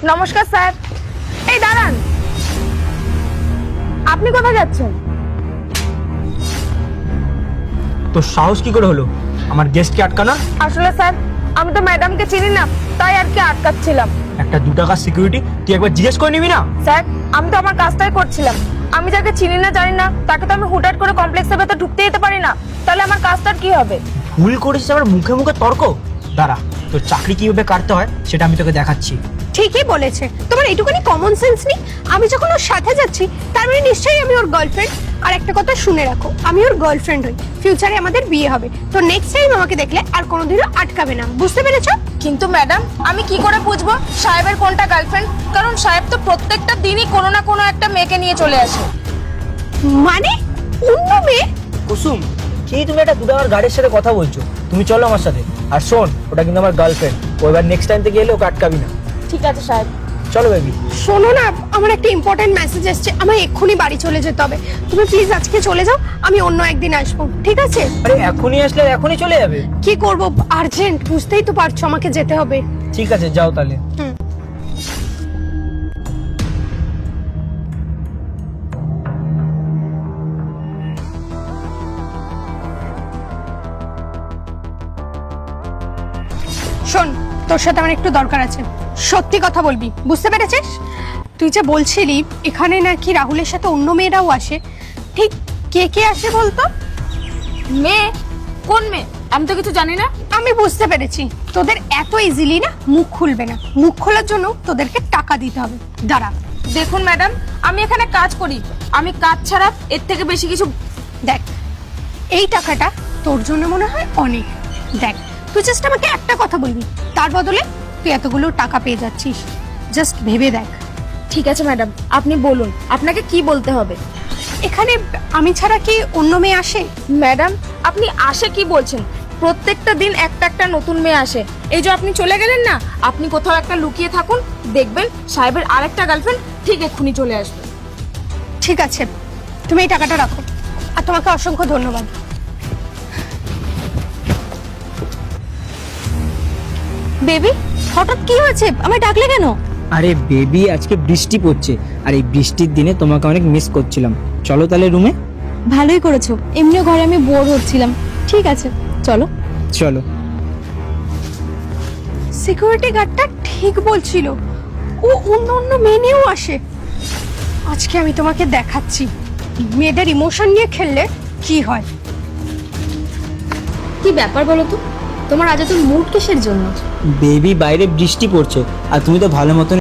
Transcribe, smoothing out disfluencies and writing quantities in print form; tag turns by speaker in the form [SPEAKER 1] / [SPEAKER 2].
[SPEAKER 1] নমস্কার স্যার। এই দাঁড়ান, আপনি কোথায় যাচ্ছেন?
[SPEAKER 2] তো সাহস কি করে হলো আমার গেস্টকে আটকানোর?
[SPEAKER 1] আসলে স্যার, আমি তো ম্যাডামকে চিনি না, তাই আর কি আটকাচ্ছিলাম।
[SPEAKER 2] একটা 2 টাকার সিকিউরিটি তুই একবার জিজ্ঞেস করে নিবি না?
[SPEAKER 1] স্যার, আমি তো আমার কাজটাই করছিলাম। আমি যাকে চিনি না জানি না তাকে তো আমি হুটহাট করে কমপ্লেক্সের ভেতর ঢুকতে যেতে পারি না। তাহলে আমার কাজটার কি হবে?
[SPEAKER 2] ভুল করেছিস আবার মুখে মুখে তর্ক? দাঁড়া, তোর চাকরি কিভাবে কাটতে হয় সেটা আমি তোকে দেখাচ্ছি।
[SPEAKER 3] ঠিকই বলেছে, তোমার এইটুকুনি কমন সেন্স নেই? আমি যখন ওর সাথে যাচ্ছি তার মানে নিশ্চয়ই আমি ওর গার্লফ্রেন্ড। আর একটা কথা শুনে রাখো, আমি ওর গার্লফ্রেন্ড হই, ফিউচারে আমাদের বিয়ে হবে। তো নেক্সট টাইম আমাকে দেখলে আর কোনোদিনও আটকাবে না, বুঝতে পেরেছো?
[SPEAKER 1] কিন্তু ম্যাডাম, আমি কি করে বুঝবো সাহেবের কোনটা গার্লফ্রেন্ড? কারণ সাহেব তো প্রত্যেকটা দিনই কোনো না কোনো একটা মেয়েকে নিয়ে চলে আসে।
[SPEAKER 3] মানে অন্য মেয়ে?
[SPEAKER 2] কুসুম, কি তুমি একটা 2 টাকার গাড়ির সাথে কথা বলছো? তুমি চলো আমার সাথে। আর শোন, ওটা কিন্তু আমার গার্লফ্রেন্ড। ও এবার নেক্সট টাইম থেকে এলে ওকে আটকাবি না।
[SPEAKER 1] ঠিক আছে সাহেব।
[SPEAKER 2] চলো বেবি।
[SPEAKER 3] শোনো না, আমার একটা ইম্পর্টেন্ট মেসেজ এসেছে, আমার এক্ষুনি বাড়ি চলে যেতে হবে। তুমি প্লিজ আজকে চলে যাও, আমি অন্য একদিন আসবো, ঠিক আছে?
[SPEAKER 2] আরে এখনই আসলে এখনই চলে যাবে?
[SPEAKER 3] কি করব, আর্জেন্ট, বুঝতেই তো পারছো আমাকে যেতে হবে।
[SPEAKER 2] ঠিক আছে, যাও তাহলে।
[SPEAKER 3] হুম। শোন, তোর সাথে আমার একটু দরকার আছে, সত্যি কথা বলবি, বুঝতে পেরেছিস? তুই যে বলছিলি এখানে নাকি রাহুলের সাথে অন্য মেয়েরাও আসে, ঠিক কে কে আসে বলতো?
[SPEAKER 1] মেয়ে? কোন মেয়ে? আমি তো কিছু জানি না।
[SPEAKER 3] আমি বুঝতে পেরেছি, তোদের এত ইজিলি না মুখ খুলবে না। মুখ খোলার জন্য তোদেরকে টাকা দিতে হবে। দাঁড়া।
[SPEAKER 1] দেখুন ম্যাডাম, আমি এখানে কাজ করি, আমি কাজ ছাড়া এর থেকে বেশি কিছু।
[SPEAKER 3] দেখ, এই টাকাটা তোর জন্য মনে হয় অনেক। দেখ, তুই জাস্ট আমাকে একটা কথা বলবি, তার বদলে তুই এতগুলো টাকা পেয়ে যাচ্ছিস। জাস্ট ভেবে দেখ।
[SPEAKER 1] ঠিক আছে ম্যাডাম, আপনি বলুন আপনাকে কি বলতে হবে।
[SPEAKER 3] এখানে আমি ছাড়া কি অন্য মেয়ে আসে?
[SPEAKER 1] ম্যাডাম, আপনি আসে কি বলছেন? প্রত্যেকটা দিন একটা একটা নতুন মেয়ে আসে। এই যে আপনি চলে গেলেন না, আপনি কোথাও একটা লুকিয়ে থাকুন, দেখবেন সাহেবের আরেকটা গার্লফ্রেন্ড ঠিক এক্ষুনি চলে আসবে।
[SPEAKER 3] ঠিক আছে, তুমি এই টাকাটা রাখো, আর তোমাকে অসংখ্য ধন্যবাদ।
[SPEAKER 1] বেবি, হঠাৎ কি হয়েছে? আমায় ডাকলে কেন?
[SPEAKER 2] আরে বেবি, আজকে বৃষ্টি পড়ছে, আর এই বৃষ্টির দিনে তোমাকে অনেক মিস করছিলাম। চলো তাহলে রুমে।
[SPEAKER 1] ভালোই করেছো, এমনিও ঘরে আমি বোর হচ্ছিলাম। ঠিক আছে, চলো।
[SPEAKER 2] চলো।
[SPEAKER 3] সিকিউরিটি গার্ডটা ঠিক বলছিল, ও অন্য অন্য মেয়ে নিয়েও আসে। আজকে আমি তোমাকে দেখাচ্ছি মেয়েদের ইমোশন নিয়ে খেললে কি হয়।
[SPEAKER 1] কি ব্যাপার বলো তো, তোমার আজ এত মুড কিসের জন্য?
[SPEAKER 2] বেবি, বাইরে বৃষ্টি পড়ছে আর তুমি তো ভালো মতন